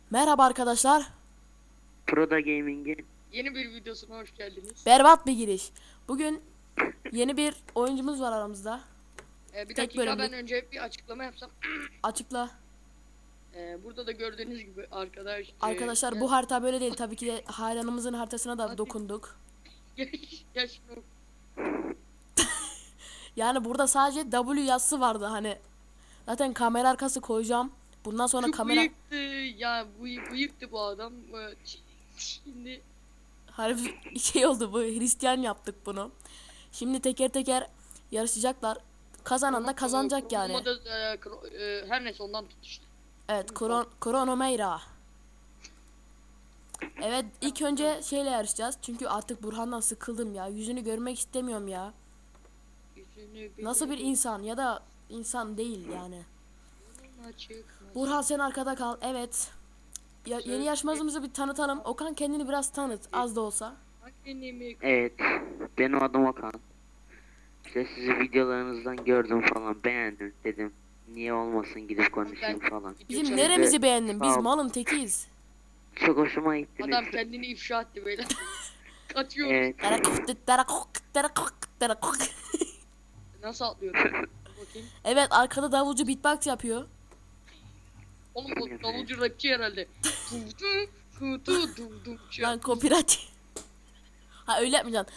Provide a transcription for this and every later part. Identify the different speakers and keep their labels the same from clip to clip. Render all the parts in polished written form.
Speaker 1: Merhaba arkadaşlar.
Speaker 2: Proda Gaming'in
Speaker 3: Yeni bir videosuna hoş geldiniz.
Speaker 1: Berbat bir giriş. Bugün yeni bir oyuncumuz var aramızda.
Speaker 3: Bir
Speaker 1: Tek
Speaker 3: dakika
Speaker 1: bölümlük.
Speaker 3: ben önce bir açıklama yapsam.
Speaker 1: Açıkla.
Speaker 3: Burada da gördüğünüz gibi
Speaker 1: Arkadaşlar bu harita böyle değil. Tabii ki de hayranımızın haritasına da
Speaker 3: Hadi.
Speaker 1: dokunduk.
Speaker 3: yaş
Speaker 1: Yani burada sadece W yazısı vardı hani. Zaten kamera arkası koyacağım. Bundan sonra
Speaker 3: şu
Speaker 1: kamera
Speaker 3: bıyıktı ya bıyıktı bu adam. Şimdi
Speaker 1: harbi şey oldu, bu Hristiyan yaptık bunu. Şimdi teker teker yarışacaklar. Kazanan da kazanacak yani.
Speaker 3: Her neyse ondan tut işte.
Speaker 1: Evet, Kronomeyra. Evet, ilk önce şeyle yarışacağız. Çünkü artık Burhan'dan sıkıldım ya. Yüzünü görmek istemiyorum ya. Nasıl bir insan ya da insan değil yani. Burhan sen arkada kal. Evet. Yeni yarışmacımızı bir tanıtalım. Okan, kendini biraz tanıt, az da olsa.
Speaker 2: evet, benim adım Okan. İşte sizi videolarınızdan gördüm falan, beğendim dedim. Niye olmasın, gidip konuşayım falan.
Speaker 1: Bizim neremizi beğendin? Biz
Speaker 2: Sağ ol.
Speaker 1: malın tekiyiz.
Speaker 2: Çok hoşuma gittiniz.
Speaker 3: Adam kendini ifşa etti böyle. Kaçıyoruz.
Speaker 2: Evet.
Speaker 3: Nasıl atlıyor? Bakayım.
Speaker 1: Evet, arkada davulcu beatbox yapıyor.
Speaker 3: Oğlum bu davulcu rapçi herhalde.
Speaker 1: Lan copyright. Ha, öyle yapmayacaksın.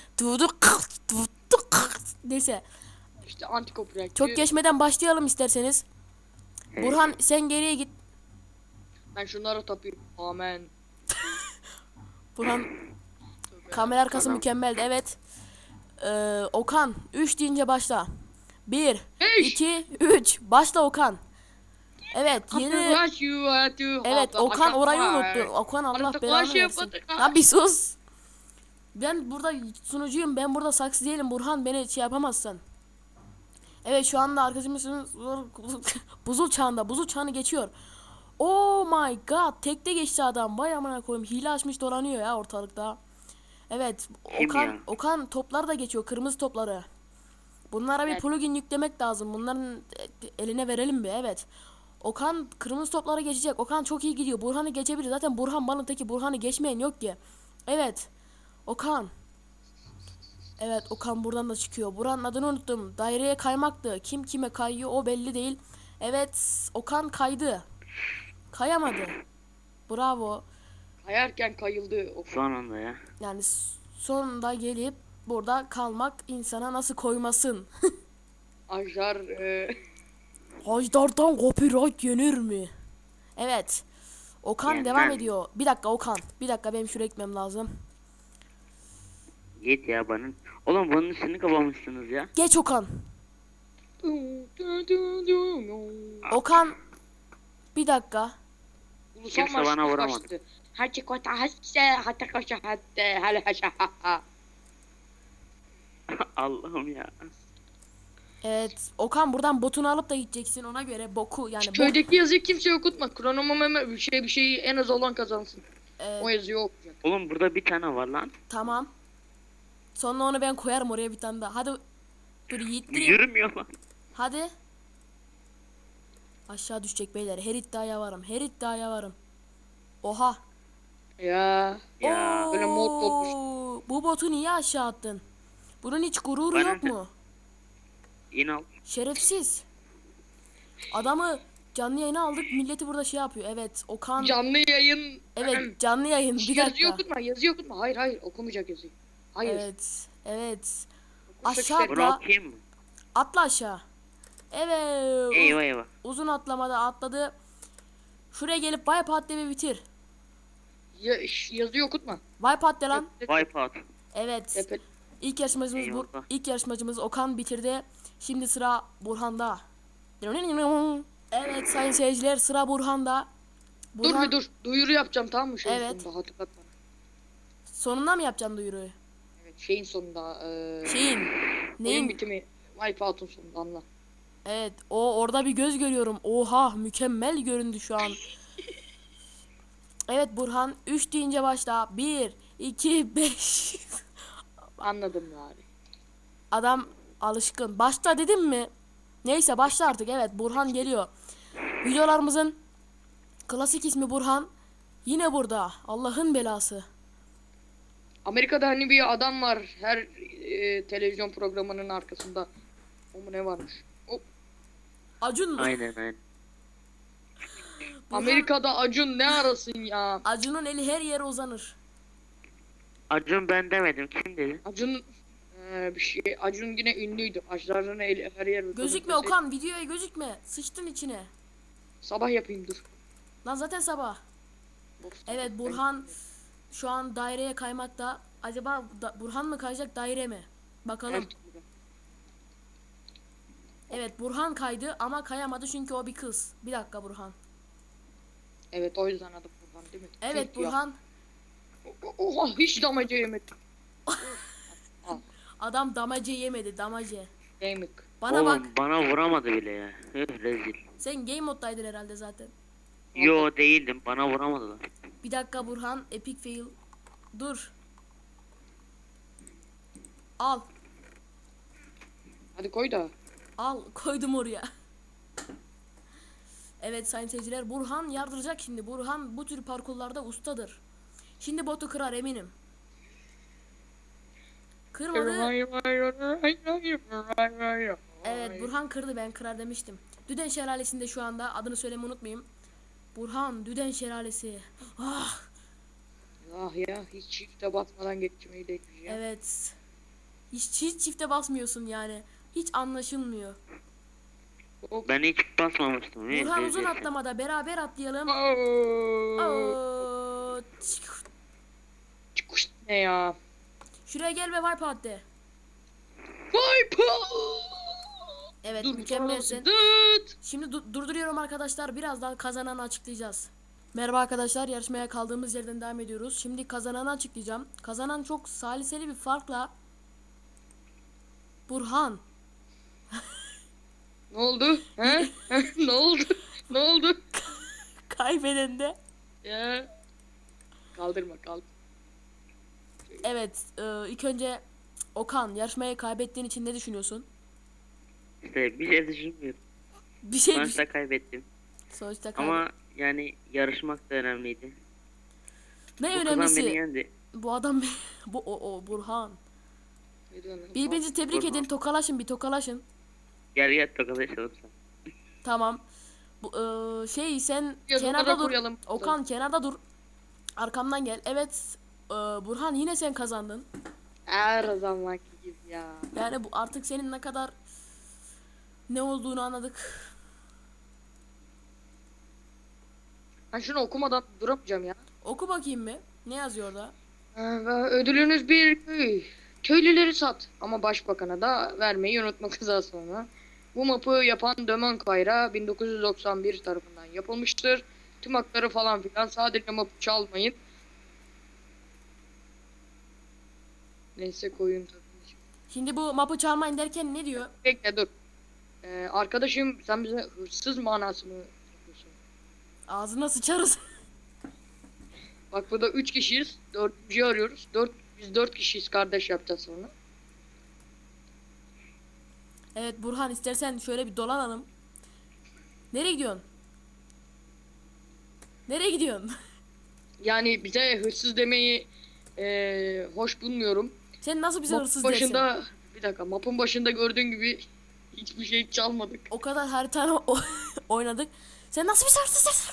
Speaker 1: Neyse.
Speaker 3: İşte anti copyright.
Speaker 1: Çok geçmeden başlayalım isterseniz.
Speaker 2: Evet.
Speaker 1: Burhan sen geriye git.
Speaker 3: Ben şunlara tapayım. Amen.
Speaker 1: Burhan kamera arkası
Speaker 2: Tamam.
Speaker 1: mükemmeldi. Evet. Okan 3 deyince başla. 1
Speaker 3: Beş.
Speaker 1: 2 3 başla Okan. Evet, yeni. Evet, Okan orayı unuttu. Okan Allah belanı versin. Lan bir sus. Ben burada sunucuyum. Ben burada saksı değilim. Burhan, beni şey yapamazsın. Evet, şu anda arkadaşımız buzul çağında. Buzul çağını geçiyor. Oh my god. Tekte geçti adam. Vay amına koyayım. Hile açmış dolanıyor ya ortalıkta. Evet.
Speaker 2: Kim ya?
Speaker 1: Okan toplar da geçiyor. Kırmızı topları. Bunlara bir
Speaker 3: Evet.
Speaker 1: plugin yüklemek lazım. Bunların eline verelim bir. Evet. Okan kırmızı toplara geçecek. Okan çok iyi gidiyor. Burhan'ı geçebilir. Zaten Burhan malın teki. Burhan'ı geçmeyen yok ki. Evet. Okan. Evet, Okan buradan da çıkıyor. Buranın adını unuttum. Daireye kaymaktı. Kim kime kayıyor o belli değil. Evet, Okan kaydı. Kayamadı. Bravo.
Speaker 3: Kayarken kayıldı.
Speaker 2: Son anda ya.
Speaker 1: Yani sonunda gelip burada kalmak insana nasıl koymasın?
Speaker 3: Ajar
Speaker 1: Hajdar'dan copyright yenir mi? Evet. Okan
Speaker 2: Yenmez.
Speaker 1: devam ediyor. Bir dakika Okan. Bir dakika, benim şuraya gitmem lazım.
Speaker 2: Git ya bana. Oğlum bunun üstünü kapamışsınız ya.
Speaker 1: Geç Okan. Okan. Bir dakika.
Speaker 3: Ulusal
Speaker 2: Kimse
Speaker 3: marş
Speaker 2: bana vuramadı.
Speaker 3: başladı. Herkes kota hasse hatta kaşa hatta hele haşa ha.
Speaker 2: Allah'ım ya.
Speaker 1: Evet. Okan, buradan botunu alıp da gideceksin, ona göre boku yani
Speaker 3: Köydeki yazıyı kimseye okutma. Kronomeme bir şeyi en az olan kazansın.
Speaker 1: Evet,
Speaker 3: O yazıyı okuyacak.
Speaker 2: Oğlum burada bir tane var lan.
Speaker 1: tamam. Sonra onu ben koyarım oraya bir tane daha. Hadi. Dur yiğittireyim.
Speaker 2: Yürümüyor lan.
Speaker 1: Hadi. Aşağı düşecek beyler. Her iddiaya varım. Her iddiaya varım. Oha.
Speaker 3: Ya.
Speaker 2: Ya.
Speaker 3: Böyle mod olmuş.
Speaker 1: Bu botu niye aşağı attın? Bunun hiç gururu
Speaker 2: Bana
Speaker 1: yok
Speaker 2: ne?
Speaker 1: mu?
Speaker 2: İn al.
Speaker 1: Şerefsiz. Adamı canlı yayına aldık. Milleti burada şey yapıyor. Evet, Okan.
Speaker 3: Canlı yayın.
Speaker 1: Evet, canlı yayın. Bir
Speaker 3: Yazıyı
Speaker 1: dakika.
Speaker 3: okutma, yazıyı okutma. Hayır, okumayacak yazıyı. Hayır.
Speaker 1: Evet. Evet.
Speaker 3: Okursak
Speaker 1: Aşağı
Speaker 3: işte-
Speaker 2: Bunu
Speaker 1: atla.
Speaker 2: okuyayım mı?
Speaker 1: Atla aşağı. Evet.
Speaker 2: Eyvah eyvah.
Speaker 1: Uzun atlamada atladı. Şuraya gelip wipeout de bir bitir.
Speaker 3: Yazıyı okutma.
Speaker 1: Wipeout de lan.
Speaker 2: Wipeout.
Speaker 1: Evet.
Speaker 3: Tepe-
Speaker 1: İlk yarışmacımız
Speaker 2: Eyvallah.
Speaker 1: ilk yarışmacımız Okan bitirdi. Şimdi sıra Burhan'da. Evet sayın seyirciler, sıra Burhan'da.
Speaker 3: Dur bir dur. Duyuru yapacağım, tamam mı? Şeyin
Speaker 1: Evet.
Speaker 3: sonunda hatırlatma.
Speaker 1: Sonunda mı yapacaksın duyuruyu?
Speaker 3: Evet, şeyin sonunda.
Speaker 1: Şeyin.
Speaker 3: Oyun
Speaker 1: Neyin?
Speaker 3: bitimi. Wipeout'un sonunda anla.
Speaker 1: Evet, orada bir göz görüyorum. Oha, mükemmel göründü şu an. Evet Burhan, 3 deyince başla. 1 2 5.
Speaker 3: Anladım bari.
Speaker 1: Adam alışkın. Başla dedim mi? Neyse başla artık. Evet, Burhan geliyor. Videolarımızın klasik ismi Burhan. Yine burada. Allah'ın belası.
Speaker 3: Amerika'da hani bir adam var her televizyon programının arkasında. O mu ne varmış? Hop.
Speaker 1: Acun mu?
Speaker 2: Aynen aynen.
Speaker 3: Amerika'da Acun ne arasın ya?
Speaker 1: Acun'un eli her yere uzanır.
Speaker 2: Acun ben demedim. Kim dedi?
Speaker 3: Acun bir şey. Acun yine ünlüydü. Aclarının eli her yer.
Speaker 1: Gözükme Okan, videoya gözükme. Sıçtın içine.
Speaker 3: Sabah yapayım dur.
Speaker 1: Lan zaten sabah.
Speaker 3: Of.
Speaker 1: Evet, Burhan şu an daireye kaymakta. Acaba Burhan mı kayacak, daire mi? Bakalım.
Speaker 3: Evet.
Speaker 1: Evet, Burhan kaydı ama kayamadı çünkü o bir kız. Bir dakika Burhan.
Speaker 3: Evet, o yüzden adı Burhan değil mi?
Speaker 1: Evet
Speaker 3: Tüh ya.
Speaker 1: Burhan.
Speaker 3: Oha, hiç damaca yemedim.
Speaker 1: Adam damace yemedi, damace.
Speaker 3: Yemek.
Speaker 1: Bana
Speaker 2: Oğlum
Speaker 1: bak.
Speaker 2: bana vuramadı bile ya. Rezil.
Speaker 1: Sen game moddaydın herhalde zaten.
Speaker 2: Yo değildim. Bana vuramadılar.
Speaker 1: Bir dakika Burhan, epic fail. Dur. Al.
Speaker 3: Hadi koy da.
Speaker 1: Al, koydum oraya. Evet sayın seyirciler, Burhan yardıracak şimdi. Burhan bu tür parkurlarda ustadır. Şimdi botu kırar eminim. Kırmadı. Evet Burhan kırdı, ben kırar demiştim. Düden Şelalesi'nde şu anda, adını söylemeyi unutmayayım. Burhan Düden Şelalesi. Ah,
Speaker 3: Ah ya, hiç çifte batmadan geçmeyi de ya.
Speaker 1: evet. Hiç çifte basmıyorsun yani. Hiç anlaşılmıyor.
Speaker 3: Hop.
Speaker 2: Ben hiç basmamıştım.
Speaker 1: Burhan
Speaker 2: Rezil.
Speaker 1: uzun atlamada beraber atlayalım.
Speaker 3: Oo.
Speaker 1: Oo,
Speaker 3: Çıkış ne ya?
Speaker 1: şuraya gel ve wipe out de.
Speaker 3: Vay
Speaker 1: Evet
Speaker 3: Dur,
Speaker 1: mükemmelsin.
Speaker 3: Dıt.
Speaker 1: Şimdi durduruyorum arkadaşlar. Birazdan kazananı açıklayacağız. Merhaba arkadaşlar. Yarışmaya kaldığımız yerden devam ediyoruz. Şimdi kazananı açıklayacağım. Kazanan çok saliseli bir farkla Burhan.
Speaker 3: Ne oldu? He? Ne oldu? Ne oldu?
Speaker 1: Kaybeden de.
Speaker 3: Ya. Kaldırma kaldır.
Speaker 1: Evet. İlk önce Okan, yarışmayı kaybettiğin için ne düşünüyorsun?
Speaker 2: İşte bir şey düşünmüyorum.
Speaker 1: Bir şey düşün.
Speaker 2: Sonuçta kaybettim.
Speaker 1: Sonuçta
Speaker 2: Ama yani yarışmak da önemliydi.
Speaker 1: ne
Speaker 2: Bu kazan beni
Speaker 1: önemlisi?
Speaker 2: yendi.
Speaker 1: Bu adam o Burhan.
Speaker 3: Ne diyorsun?
Speaker 1: Birbirinizi tebrik
Speaker 2: Burhan.
Speaker 1: edin. Tokalaşın, bir tokalaşın.
Speaker 2: Gel gel tokalaşalım sen.
Speaker 1: Tamam. Bu sen
Speaker 3: Yazılara
Speaker 1: kenarda dur.
Speaker 3: koyalım.
Speaker 1: Okan kenarda dur. Arkamdan gel. Evet. Burhan yine sen kazandın.
Speaker 3: Her zamanki gibi ya.
Speaker 1: Yani bu artık senin ne kadar ne olduğunu anladık.
Speaker 3: Ben şunu okumadan duramayacağım ya.
Speaker 1: Oku bakayım mı? Ne yazıyor orada?
Speaker 3: Ödülünüz bir köy. Köylüleri sat. Ama başbakana da vermeyi unutma kıza sonra. Bu mapı yapan Dömen Kayra 1991 tarafından yapılmıştır. Tüm hakları falan filan, sadece mapı çalmayın. Neyse koyun tabii.
Speaker 1: Şimdi bu mapı çalmayın derken ne diyor?
Speaker 3: Bekle dur. Arkadaşım sen bize hırsız manası mı yapıyorsun?
Speaker 1: Ağzına sıçarız.
Speaker 3: Bak burada 3 kişiyiz. 4'üncüyü arıyoruz. Biz 4 kişiyiz, kardeş yapacağız sonra.
Speaker 1: Evet Burhan, istersen şöyle bir dolanalım. Nereye gidiyorsun? Nereye gidiyorsun?
Speaker 3: Yani bize hırsız demeyi hoş bulmuyorum.
Speaker 1: Sen nasıl bize
Speaker 3: Mapın
Speaker 1: hırsız dersin?
Speaker 3: başında bir dakika, mapın başında gördüğün gibi hiçbir şey çalmadık.
Speaker 1: O kadar haritayla oynadık. Sen nasıl bize hırsız dersin?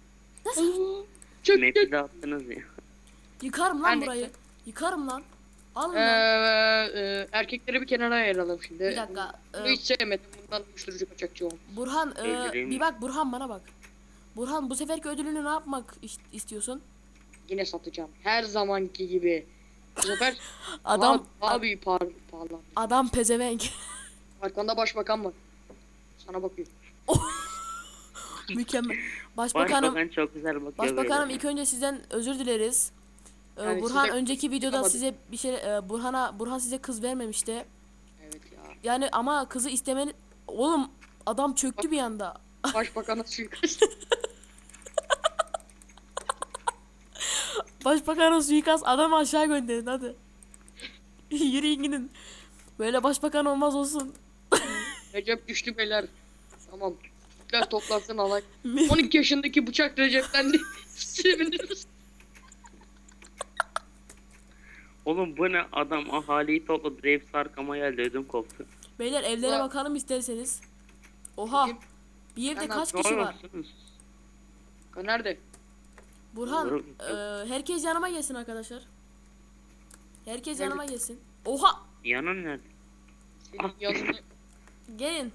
Speaker 3: Çok
Speaker 2: Map'i de attınız ya.
Speaker 1: Yıkarım lan
Speaker 3: Yani-
Speaker 1: burayı. Yıkarım lan. Alın lan.
Speaker 3: erkekleri bir kenara ayıralım şimdi.
Speaker 1: Bir dakika.
Speaker 3: Bunu hiç sevmedim. Bundan uyuşturucu kaçakçı olmuş.
Speaker 1: Burhan
Speaker 2: Öldüreyim.
Speaker 1: bir bak Burhan, bana bak. Burhan, bu seferki ödülünü ne yapmak istiyorsun?
Speaker 3: Yine satacağım. Her zamanki gibi. Bu sefer
Speaker 1: Adam
Speaker 3: abi pahalı.
Speaker 1: adam pezevenk.
Speaker 3: Arkanda başbakan var. Sana bakıyor.
Speaker 1: Mükemmel. Başbakanım,
Speaker 2: Başbakan çok güzel bakıyor
Speaker 1: Başbakanım
Speaker 2: böyle.
Speaker 1: ilk önce sizden özür dileriz.
Speaker 3: Yani
Speaker 1: Burhan
Speaker 3: size-
Speaker 1: önceki videoda
Speaker 3: Yapamadım.
Speaker 1: size bir şey Burhan size kız vermemişti.
Speaker 3: Evet ya.
Speaker 1: Yani ama kızı istemeni, oğlum adam çöktü bir anda.
Speaker 3: Başbakana suikast.
Speaker 1: Başbakanın suikast, adamı aşağı gönderin hadi. Yürüyün gidin. Böyle başbakan olmaz olsun.
Speaker 3: Recep düştü beyler. Tamam. Türkler toplansın alay. 12 yaşındaki bıçak Recep'ten de seviniriz.
Speaker 2: Oğlum bu ne adam ahaliyi topladı. Hepsi arkama geldi ödüm koptu.
Speaker 1: Beyler evlere
Speaker 3: Ulan.
Speaker 1: bakalım isterseniz. Oha.
Speaker 3: Kim?
Speaker 1: Bir evde
Speaker 3: Ben
Speaker 1: kaç
Speaker 2: Ne
Speaker 1: kişi var?
Speaker 2: yapıyorsunuz?
Speaker 3: Nerede?
Speaker 1: Burhan,
Speaker 2: Olur.
Speaker 1: herkes yanıma gelsin arkadaşlar. Herkes
Speaker 3: Nerede?
Speaker 1: yanıma gelsin. Oha!
Speaker 2: Yanın nerede?
Speaker 3: Senin yanında.
Speaker 1: Gelin.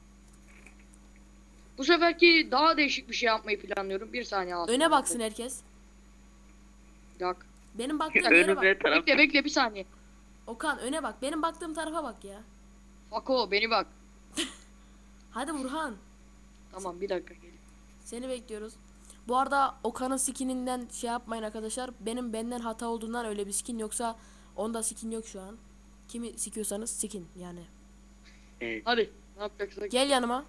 Speaker 3: Bu seferki daha değişik bir şey yapmayı planlıyorum. Bir saniye al.
Speaker 1: Öne baksın herkes.
Speaker 3: Bir dakika.
Speaker 1: Benim baktığım yere bak.
Speaker 2: Önümde taraf.
Speaker 3: Bekle bir saniye.
Speaker 1: Okan öne bak. Benim baktığım tarafa bak ya.
Speaker 3: Fako beni bak.
Speaker 1: Hadi Burhan.
Speaker 3: Tamam bir dakika gelin.
Speaker 1: Seni bekliyoruz. Bu arada Okan'ın skininden şey yapmayın arkadaşlar. Benden hata olduğundan öyle bir skin, yoksa onda skin yok şu an. Kimi sikiyorsanız skin yani.
Speaker 2: Evet.
Speaker 3: Hadi ne yapacaksak.
Speaker 1: Gel yanıma.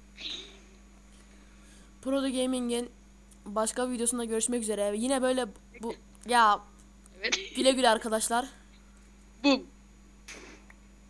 Speaker 1: Prodo Gaming'in başka bir videosunda görüşmek üzere. Yine böyle bu ya,
Speaker 3: Evet.
Speaker 1: güle güle arkadaşlar.
Speaker 3: Bu